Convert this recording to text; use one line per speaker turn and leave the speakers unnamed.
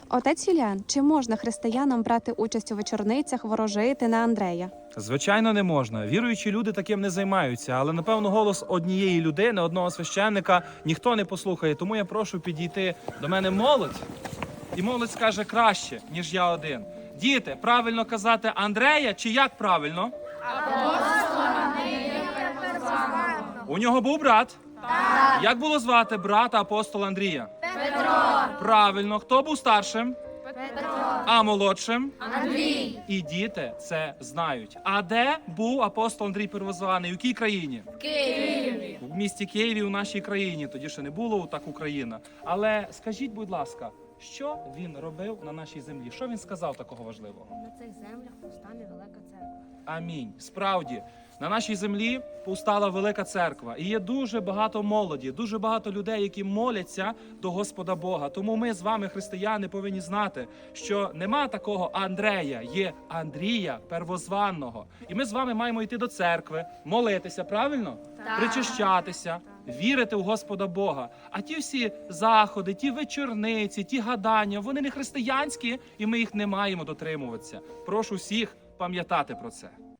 Отець Юліан, чи можна християнам брати участь у вечорницях, ворожити на Андрея?
Звичайно, не можна. Віруючі люди таким не займаються, але, напевно, голос однієї людини, одного священника ніхто не послухає. Тому я прошу підійти до мене молодь, і молодь скаже краще, ніж я один. Діти, правильно казати Андрея чи як правильно? У нього був брат? Так. Як було звати брата апостола Андрія? Петро. Правильно. Хто був старшим? Петро. А молодшим? Андрій. І діти це знають. А де був апостол Андрій Первозваний? У якій країні?
В Києві.
В місті Києві, у нашій країні. Тоді ще не було так Україна. Але скажіть, будь ласка, що він робив на нашій землі? Що він сказав такого важливого?
На цих землях повстане велика церква.
Амінь. Справді, на нашій землі повстала велика церква. І є дуже багато молоді, дуже багато людей, які моляться до Господа Бога. Тому ми з вами, християни, повинні знати, що нема такого Андрея, є Андрія Первозванного. І ми з вами маємо йти до церкви, молитися, правильно?
Так.
Причащатися, вірити в Господа Бога. А ті всі заходи, ті вечорниці, ті гадання, вони не християнські, і ми їх не маємо дотримуватися. Прошу всіх пам'ятати про це.